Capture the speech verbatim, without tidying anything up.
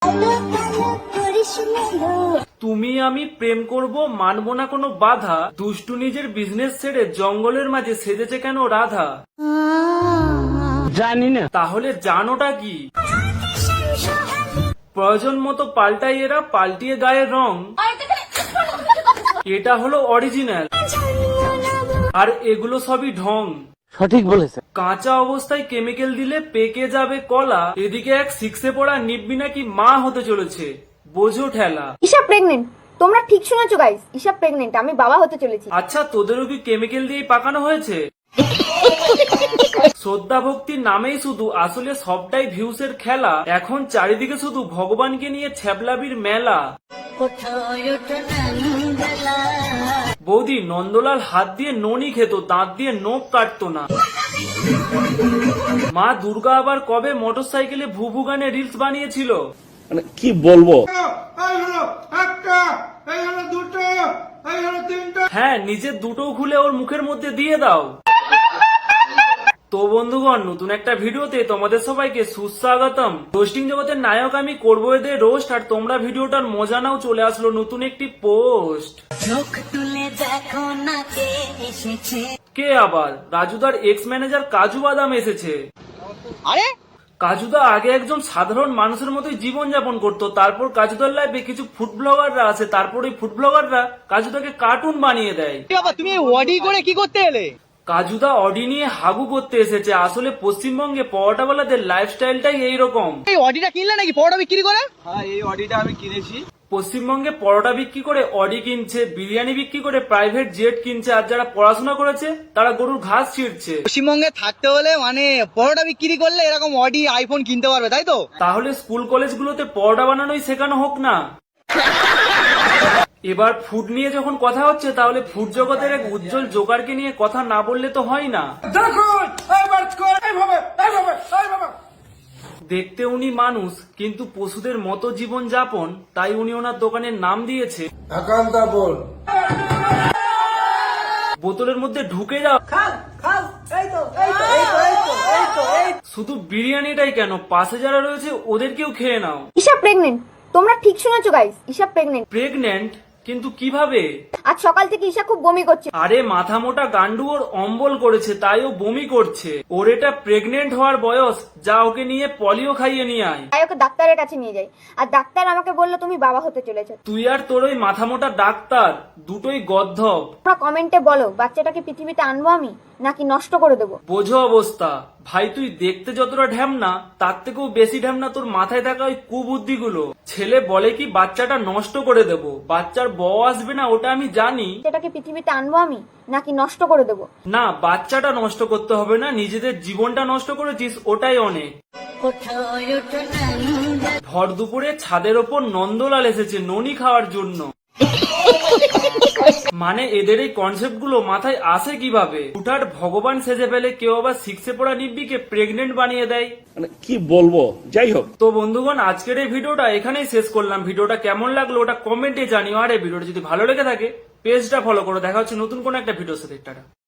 তুমি আমি প্রেম করব, মানবো না কোনো বাধা। দুষ্টু নিজের বিজনেস ছেড়ে জঙ্গলের মাঝে সেজেছে কেন রাধা? জানি না। তাহলে জানোটা কি? প্রয়োজন মতো পাল্টাই এরা, পাল্টিয়ে গায়ের রং। এটা হলো অরিজিনাল, আর এগুলো সবই ঢং। সঠিক বলেছে। কাঁচা অবস্থায় কেমিক্যাল দিলে পেকে যাবে কলা। এদিকে এক সিক্সে পড়া নিব্বি নাকি মা হতে চলেছে, বোঝো ঠেলা। ঈশা প্রেগনেন্ট। তোমরা ঠিক শুনেছো গাইস, ঈশা প্রেগনেন্ট, আমি বাবা হতে চলেছি। আচ্ছা, তোদেরও কি কেমিক্যাল দিয়ে পাকানো হয়েছে? শ্রদ্ধা ভক্তির নামেই শুধু, আসলে সবটাই ভিউসের খেলা। এখন চারিদিকে শুধু ভগবানকে নিয়ে ছ্যাবলাবির মেলা। বৌদি নন্দলাল হাত দিয়ে ননি খেত, দাঁত দিয়ে নখ কাটতো না। মা দুর্গা আবার কবে মোটরসাইকেলে ভুভু গানে রিলস বানিয়েছিল? মানে কি বলবো। হ্যাঁ, নিজের দুটো খুলে ওর মুখের মধ্যে দিয়ে দাও। তো বন্ধুগণ, নতুন একটা ভিডিওতে তোমাদের সবাইকে সুস্বাগতম। রোস্টিং জগতের নায়ক আমি করবো এদের রোস্ট, আর তোমরা ভিডিওটার মজা নাও। চলে আসলো নতুন একটি পোস্ট। কে আবার? রাজুদার এক্স ম্যানেজার কাজু বাদাম এসেছে। আরে কাজুদা আগে একজন সাধারণ মানুষের মতোই জীবনযাপন করত। তারপর কাজুদার লাইফে কিছু ফুড ব্লগাররা আছে, তারপর ওই ফুড ব্লগাররা কাজুদাকে কার্টুন বানিয়ে দেয়। বাবা, তুমি ওয়াডি করে কি করতে এলে? কাজুদা অডি নিয়ে হাগু করতে এসেছে। আসলে পশ্চিমবঙ্গে পরোটাওয়ালাদের লাইফস্টাইলটাই এইরকম। এই অডিটা কিনলে নাকি পরোটা বিক্রি করে? হ্যাঁ, এই অডিটা আমি কিনেছি। পশ্চিমবঙ্গে পরোটা বিক্রি করে অডি কিনছে, বিরিয়ানি বিক্রি করে প্রাইভেট জেট কিনছে, আর যারা পড়াশোনা করেছে তারা গরুর ঘাস ছিঁড়ছে। পশ্চিমবঙ্গে থাকতে হলে মানে পরোটা বিক্রি করলে এরকম অডি আইফোন কিনতে পারবে, তাই তো? তাহলে স্কুল কলেজগুলোতে পরোটা বানানোই শেখানো হোক না। এবার ফুড নিয়ে যখন কথা হচ্ছে, তাহলে ফুড জগতের এক উজ্জ্বল জোকারকে নিয়ে কথা না বললে তো হয় না। দেখতে উনি মানুষ, কিন্তু পশুদের মতো জীবন যাপন, তাই উনি ওনার দোকানের নাম দিয়েছে বোতলের মধ্যে ঢুকে যাও। শুধু বিরিয়ানিটাই কেন, পাশে যারা রয়েছে ওদেরকেও খেয়ে নাও। ঈশা প্রেগনেন্ট। তোমরা ঠিক শুনেছো গাইস, ঈশা প্রেগনেন্ট। প্রেগন্যান্ট? কিন্তু কিভাবে? আজ সকাল থেকে ঈশা খুব বমি করছে। আরে মাথা মোটা গান্ডু ওর অম্বল করেছে, তাই ও বমি করছে। ওর এটা প্রেগনেন্ট হওয়ার বয়স, যা ওকে নিয়ে পলিও খাইয়ে নিয়ে আয়। তাই ওকে ডাক্তারের কাছে নিয়ে যাই, আর ডাক্তার আমাকে বললো তুমি বাবা হতে চলেছো। তুই আর তোর ওই মাথা মোটা ডাক্তার দুটোই গদ্ধব। তোমরা কমেন্টে বলো, বাচ্চাটাকে পৃথিবীতে আনবো আমি নাকি নষ্ট করে দেবো। বোঝো অবস্থা। ভাই তুই দেখতে যতটা ঢ্যামনা, তার থেকেও বেশি ঢ্যামনা তোর মাথায় থাকা ওই কুবুদ্ধিগুলো। ছেলে বলে কি বাচ্চাটা নষ্ট করে দেব, বাচ্চার বউ আসবে না ওটা আমি জানি। বাচ্চাটাকে পৃথিবীতে আনবো আমি নাকি নষ্ট করে দেবো। না, বাচ্চাটা নষ্ট করতে হবে না, নিজেদের জীবনটা নষ্ট করেছিস ওটাই অনেক। ভর দুপুরে ছাদের ওপর নন্দলাল এসেছে ননি খাওয়ার জন্য। মানে এদের এই কনসেপ্ট গুলো মাথায় আসে কিভাবে? হুটহাট ভগবান সেজে ফেলে, কেউ আবার সিক্সে পড়া নিব্বিকে প্রেগনেন্ট বানিয়ে দেয়। মানে কি বলবো। যাই হোক, তো বন্ধুগণ, আজকের এই ভিডিওটা এখানেই শেষ করলাম। ভিডিওটা কেমন লাগলো ওটা কমেন্টে জানিও, আর এই ভিডিওটা যদি ভালো লেগে থাকে পেজটা ফলো করো। দেখা হচ্ছে নতুন কোন একটা ভিডিওর সাথে। টাটা।